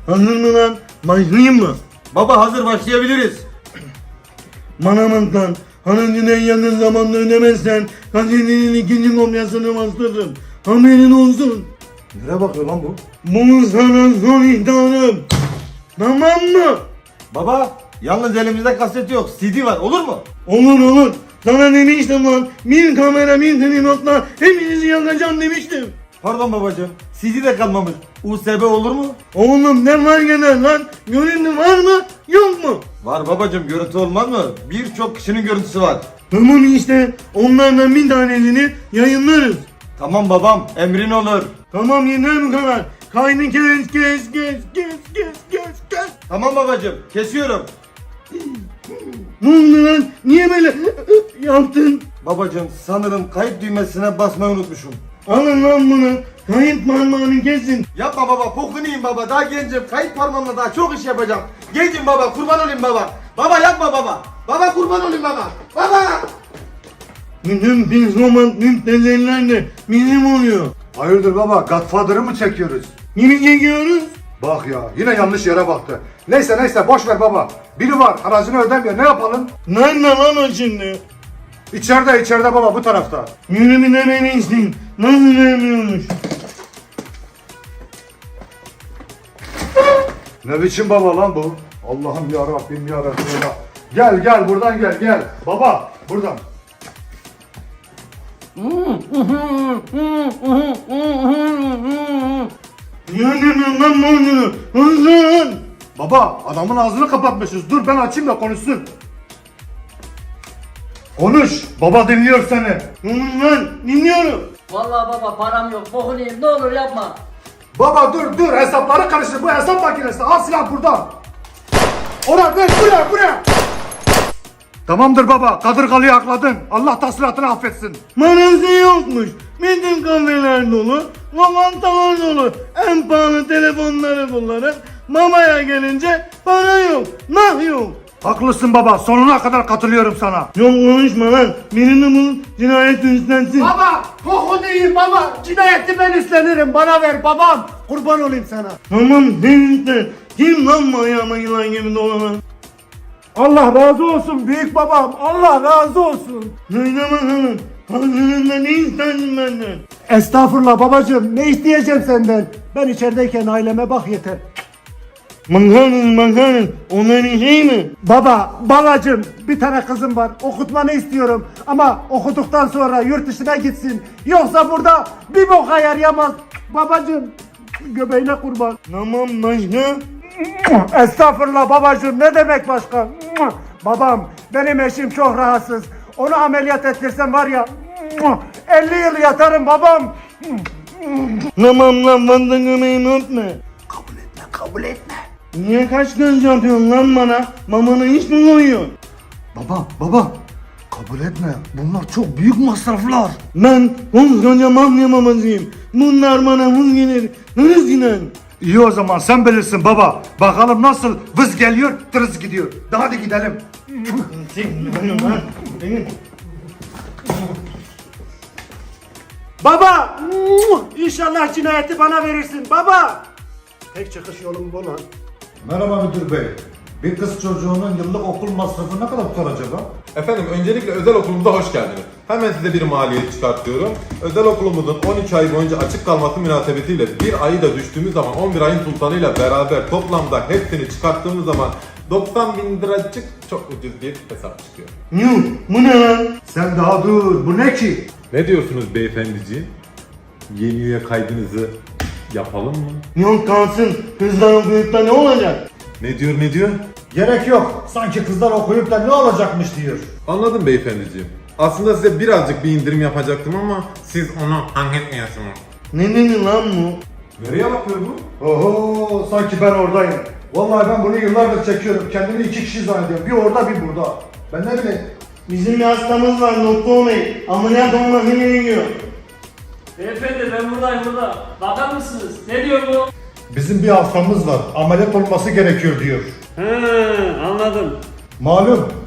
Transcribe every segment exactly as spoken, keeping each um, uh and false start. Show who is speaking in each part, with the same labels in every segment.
Speaker 1: Hazır mı lan? Başlayayım mı?
Speaker 2: Baba hazır, başlayabiliriz.
Speaker 1: Bana bak lan. Harcını en yakın zamanda ödemezsen gazetenin ikinci kopyasını bastırırım. Haberin olsun.
Speaker 2: Nereye bakıyor lan bu?
Speaker 1: Bu sana son ihtarım. Tamam mı?
Speaker 2: Baba yalnız elimizde kaset yok, C D var, olur mu?
Speaker 1: Olur olur. Sana demiştim lan. Bir kamera bir tripodla hepinizi yakacağım demiştim.
Speaker 2: Pardon babacığım, C D de kalmamış. U S B olur mu?
Speaker 1: Oğlum ne fark eder lan? Görüntü var mı? Yok mu?
Speaker 2: Var babacığım, görüntü olmaz mı? Birçok kişinin görüntüsü var.
Speaker 1: Tamam işte. Onlardan bir tanesini yayınlarız.
Speaker 2: Tamam babam, emrin olur.
Speaker 1: Tamam yeter bu kadar. Kaydı kes kes kes kes kes kes kes.
Speaker 2: Tamam babacığım, kesiyorum.
Speaker 1: Ne oldu lan? Niye böyle yaptın?
Speaker 2: Babacığım sanırım kayıt düğmesine basmayı unutmuşum.
Speaker 1: Alın lan bunu. Kayıt parmağını kesin.
Speaker 2: Yapma baba, pokunayım baba, daha gencim. Kayıt parmağımla daha çok iş yapacağım. Gencim baba, kurban olayım baba. Baba yapma baba. Baba kurban olayım baba. Baba.
Speaker 1: Bütün psikopat müptezeller de bizim oluyor.
Speaker 3: Hayırdır baba, Godfather'ı mı çekiyoruz?
Speaker 1: Kimi çekiyoruz?
Speaker 3: Bak ya, yine yanlış yere baktı. Neyse neyse, boş ver baba. Biri var, haracını ödemiyor, ne yapalım?
Speaker 1: Nerede lan o şimdi?
Speaker 3: İçeride, içeride baba, bu tarafta.
Speaker 1: Yürü bir de beni isteyin. Nasıl vermiyormuş?
Speaker 3: Ne biçim baba lan bu? Allah'ım ya Rabbim ya Resulallah. Gel gel, buradan gel gel. Baba, buradan.
Speaker 1: Yürü lan borcunu. Hızlı.
Speaker 3: Baba, adamın ağzını kapatmışız. Dur ben açayım da konuşsun. Konuş, baba dinliyor seni.
Speaker 1: Oğlum lan dinliyorum.
Speaker 4: Vallahi baba param yok. Bokunu yiyeyim. Ne olur yapma.
Speaker 3: Baba dur dur, hesapları karıştır. Bu hesap makinesi. Al silah burada. Oraya ver, buraya buraya. Tamamdır baba, kadırgalıyı akladın. Allah tasliratını affetsin.
Speaker 1: Manası yokmuş. Bütün kafeler dolu. Lokantalar dolu. En pahalı telefonları kullanıp mamaya gelince para yok. Nah yok.
Speaker 3: Haklısın baba, sonuna kadar katılıyorum sana.
Speaker 1: Yok konuşma lan. Birini bul cinayet üstlensin.
Speaker 3: Baba, koku değil baba. Cinayeti ben üstlenirim. Bana ver babam. Kurban olayım sana.
Speaker 1: Tamam sen üstlen. Kim lan bu ayağıma yılan gibi dolanan?
Speaker 3: Allah razı olsun büyük babam. Allah razı olsun.
Speaker 1: Söyle bakalım. Karşılığında ne istedin benden?
Speaker 3: Estağfurullah babacığım. Ne isteyeceğim senden? Ben içerideyken aileme bak yeter.
Speaker 1: Bakarız bakarız. Onların şey mi?
Speaker 3: Baba, babacığım bir tane kızım var. Okutmanı istiyorum. Ama okuduktan sonra yurt dışına gitsin. Yoksa burada bir boka yarayamaz. Babacığım, göbeğine kurban.
Speaker 1: Tamam başka?
Speaker 3: Estağfurullah babacığım, ne demek başka? Babam, benim eşim çok rahatsız. Onu ameliyat ettirsem var ya elli yıl yatarım babam.
Speaker 1: Tamam lan fazla gömeğimi öpme.
Speaker 3: Kabul etme, kabul etme.
Speaker 1: Niye kaç göz yapıyorsun lan bana? Mamanı hiç mi koyuyorsun?
Speaker 3: Baba, baba, kabul etme. Bunlar çok büyük masraflar.
Speaker 1: Ben koskoca mafya babasıyım. Bunlar bana hız gelir. Hız inen.
Speaker 3: İyi o zaman sen bilirsin baba. Bakalım nasıl vız geliyor, tırız gidiyor. Daha hadi gidelim. Baba! İnşallah cinayeti bana verirsin baba! Tek çıkış yolum bu lan.
Speaker 5: Merhaba müdür bey. Bir kız çocuğunun yıllık okul masrafı ne kadar tutar acaba?
Speaker 6: Efendim öncelikle özel okulumuza hoş geldiniz. Hemen size bir maliyet çıkartıyorum. Özel okulumuzun on üç ay boyunca açık kalması münasebetiyle bir ayı da düştüğümüz zaman on bir ayın sultanıyla beraber toplamda hepsini çıkarttığımız zaman doksan bin liracık çok ucuz bir hesap çıkıyor.
Speaker 1: Yuh bu ne lan?
Speaker 3: Sen daha dur, bu ne ki?
Speaker 6: Ne diyorsunuz beyefendiciğim? Yeni üye kaydınızı yapalım mı?
Speaker 1: Yok kalsın. Kızlar okuyup da ne olacak?
Speaker 6: Ne diyor ne diyor?
Speaker 5: Gerek yok. Sanki kızlar okuyup da ne olacakmış diyor.
Speaker 6: Anladım beyefendiciğim. Aslında size birazcık bir indirim yapacaktım ama siz onu hak etmiyorsunuz.
Speaker 1: Ne dedi lan bu?
Speaker 6: Nereye bakıyor bu?
Speaker 3: Oho, sanki ben oradayım. Vallahi ben bunu yıllardır çekiyorum. Kendimi iki kişi zannediyorum. Bir orada, bir burada. Ben ne bileyim.
Speaker 1: Bizim bir hastamız var doktor bey. Ameliyat olması gerekiyor.
Speaker 4: Beyefendi ben buradayım burada. Bakar mısınız? Ne diyor bu?
Speaker 5: Bizim bir hastamız var. Ameliyat olması gerekiyor diyor.
Speaker 4: He anladım.
Speaker 5: Malum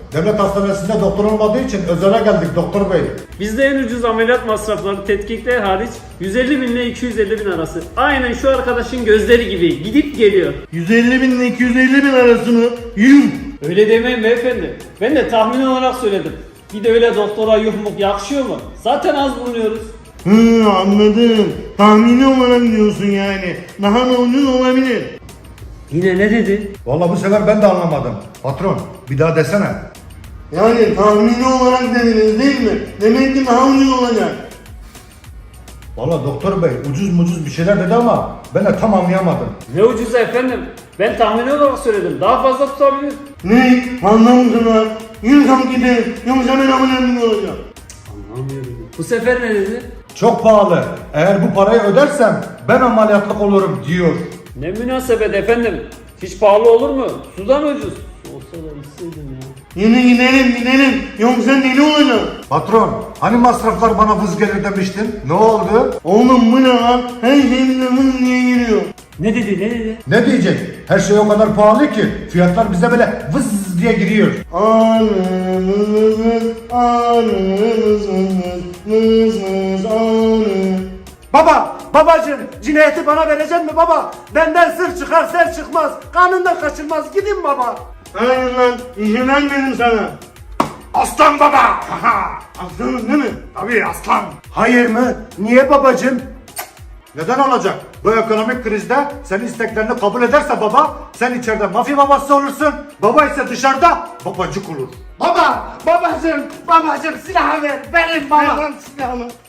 Speaker 5: Devlet hastanesinde doktor olmadığı için özele geldik doktor bey.
Speaker 4: Bizde en ucuz ameliyat masrafları tetkikler hariç yüz elli bin ile iki yüz elli bin arası. Aynen şu arkadaşın gözleri gibi gidip geliyor.
Speaker 1: yüz elli bin ile iki yüz elli bin arasını yuh.
Speaker 4: Öyle demeyin beyefendi. Ben de tahmin olarak söyledim. Bir de öyle doktora yuhmuk yakışıyor mu? Zaten az bulunuyoruz.
Speaker 1: Hı, anladım. Tahmini olarak diyorsun yani. Daha da ucuz olabilir.
Speaker 4: Yine ne dedi?
Speaker 5: Vallahi bu sefer ben de anlamadım. Patron bir daha desene.
Speaker 1: Yani tahmini olarak dediniz değil mi? Demek ki daha ucuz olacak.
Speaker 5: Vallahi doktor bey ucuz mucuz bir şeyler dedi ama ben de tam anlayamadım.
Speaker 4: Ne ucuz efendim. Ben tahmin olarak söyledim. Daha fazla tutabilir.
Speaker 1: Ne? Anlamışsınlar. Yürü kalk gidelim. Yoksa ben ameliyatım olacağım.
Speaker 4: Anlamıyorum. Bu sefer ne dedi?
Speaker 5: Çok pahalı. Eğer bu parayı ödersem ben ameliyatlık olurum diyor.
Speaker 4: Ne münasebet efendim. Hiç pahalı olur mu? Sudan ucuz. Olsa da içseydim ya.
Speaker 1: Yine gidelim gidelim. Yoksa deli olacağım.
Speaker 5: Patron hani masraflar bana vız gelir demiştin? Ne oldu?
Speaker 1: Oğlum bu ne lan? Her şey bize vız diye giriyor.
Speaker 4: Ne dedi ne dedi?
Speaker 5: Ne diyecek? Her şey o kadar pahalı ki fiyatlar bize böyle vız diye giriyor.
Speaker 1: Anı vız vız vız. Anı vız vız vız. Vız vız anı.
Speaker 3: Baba, babacığım cinayeti bana verecek mi baba? Benden sır çıkar ser çıkmaz. Kanından kaçılmaz. Gidin baba.
Speaker 1: Hayır lan. İzin vermedim sana.
Speaker 3: Aslan baba.
Speaker 1: Aslanım değil mi?
Speaker 3: Tabii aslan. Hayır mı? Niye babacığım?
Speaker 5: Neden olacak? Bu ekonomik krizde senin isteklerini kabul ederse baba, sen içeride mafya babası olursun, baba ise dışarıda babacık olur.
Speaker 3: Baba, babacığım, babacığım silahı ver. Benim
Speaker 1: Ver
Speaker 3: baba.
Speaker 1: lan silahını.